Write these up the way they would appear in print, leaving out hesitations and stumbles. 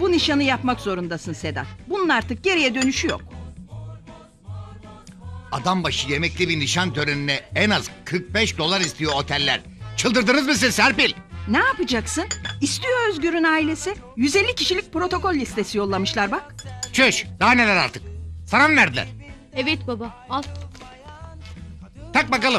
Bu nişanı yapmak zorundasın Sedat. Bunun artık geriye dönüşü yok. Adam başı yemekli bir nişan törenine en az 45 dolar istiyor oteller. Çıldırdınız mı siz Serpil? Ne yapacaksın? İstiyor Özgür'ün ailesi. 150 kişilik protokol listesi yollamışlar bak. Çüş, daha neler artık. Sana mı verdiler? Evet baba, al. Tak bakalım.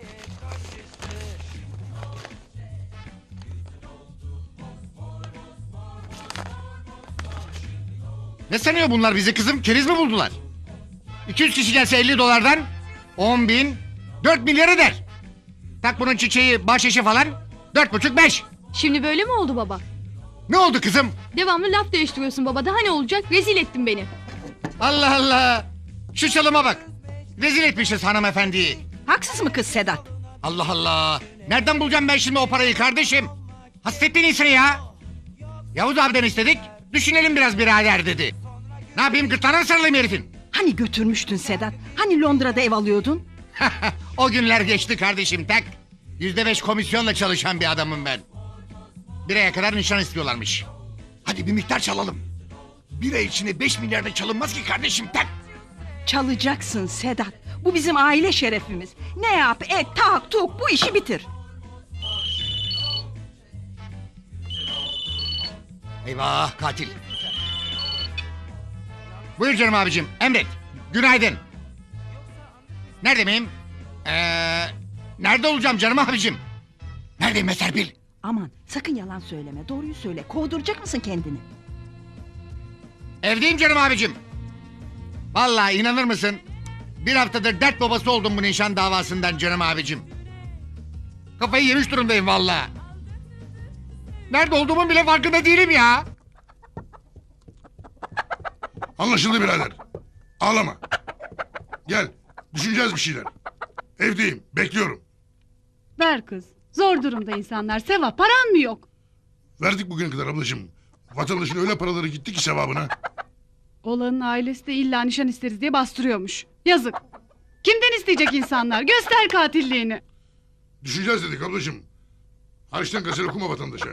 Ne sanıyor bunlar bizi kızım? Keriz mi buldular? 200 kişi gelse 50 dolardan 10 bin 4 milyar eder. Tak bunun çiçeği bahşişi falan 4,5-5. Şimdi böyle mi oldu baba? Ne oldu kızım? Devamlı laf değiştiriyorsun baba. Daha ne olacak? Rezil ettin beni. Allah Allah. Şu çalıma bak. Rezil etmişiz hanımefendiyi. Haksız mı kız Sedat? Allah Allah. Nereden bulacağım ben şimdi o parayı kardeşim? Hasrettin insanı ya. Yavuz abiden istedik. Düşünelim biraz birader dedi. Ne yapayım, gırtlağına mı sarılayım herifin? Hani götürmüştün Sedat? Hani Londra'da ev alıyordun? O günler geçti kardeşim, tak. %5 komisyonla çalışan bir adamım ben. Bir aya kadar nişan istiyorlarmış. Hadi bir miktar çalalım. Bir ay içinde 5 milyarda çalınmaz ki kardeşim, tak. Çalacaksın Sedat. Bu bizim aile şerefimiz. Ne yap et tak tuk bu işi bitir. Eyvah, katil. Buyur canım abicim, emret. Günaydın. Nerede miyim? Nerede olacağım canım abicim? Neredeyim Serpil? Aman sakın yalan söyleme, doğruyu söyle. Kovduracak mısın kendini? Evdeyim canım abicim. Vallahi inanır mısın? Bir haftadır dert babası oldum bu nişan davasından canım abicim. Kafayı yemiş durumdayım vallahi. Nerede olduğumun bile farkında değilim ya. Anlaşıldı birader. Ağlama. Gel. Düşüneceğiz bir şeyler. Evdeyim. Bekliyorum. Ver kız. Zor durumda insanlar. Sevap paran mı yok? Verdik bugüne kadar ablacığım. Vatandaşın öyle paraları gitti ki sevabına. Oğlanın ailesi de illa nişan isteriz diye bastırıyormuş. Yazık. Kimden isteyecek insanlar? Göster katilliğini. Düşüneceğiz dedik ablacığım. Hariçten gazel okuma vatandaşa.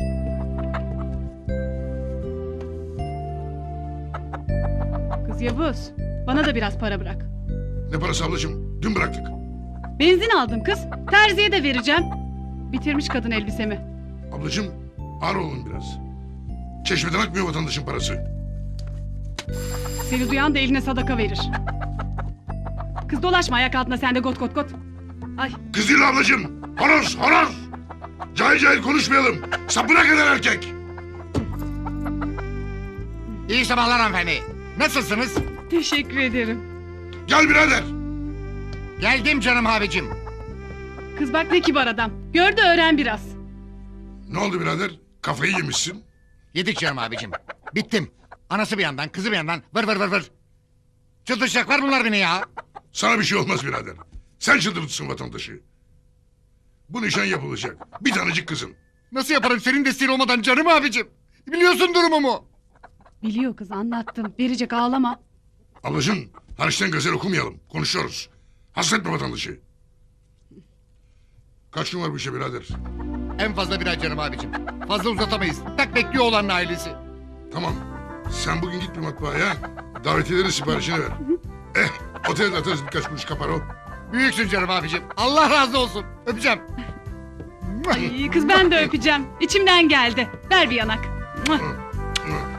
Kız Yavuz. Bana da biraz para bırak. Ne parası ablacığım? Dün bıraktık. Benzin aldım kız. Terziye de vereceğim. Bitirmiş kadın elbisemi. Ablacığım ağır olun biraz. Çeşmeden akmıyor vatandaşın parası. Seni duyan da eline sadaka verir. Kız dolaşma ayak altına sen de got got got. Ay Kız değil ablacığım. Horoz horoz. Cahil cahil konuşmayalım. Sapına kadar erkek. İyi sabahlar hanımefendi. Nasılsınız? teşekkür ederim. Gel birader. Geldim canım abicim. Kız bak ne kibar adam. Gör de öğren biraz. Ne oldu birader? Kafayı yemişsin. Yedik canım abicim. Bittim. Anası bir yandan, kızı bir yandan. Vır vır vır vır. Çıldıracaklar bunlar beni ya. Sana bir şey olmaz birader. Sen çıldırtırsın vatandaşı. Bu nişan yapılacak. Bir tanecik kızın. Nasıl yaparım senin desteğin olmadan canım abicim? Biliyorsun durumumu. Biliyor kız anlattım. Verecek ağlama. Ablacığım hariçten gazel okumayalım. Konuşuyoruz. Hasretme vatandaşı. Kaç gün var bu işe birader? En fazla bir ay canım abicim. Fazla uzatamayız. Tak bekliyor olanın ailesi. Tamam. Sen bugün git bir matbaaya. Davetiyelerin siparişini ver. Otelde atarız birkaç kuruş kapar o. Büyüksün canım abicim. Allah razı olsun. Öpeceğim. Ay, kız ben de öpeceğim. İçimden geldi. Ver bir yanak. Hı, hı.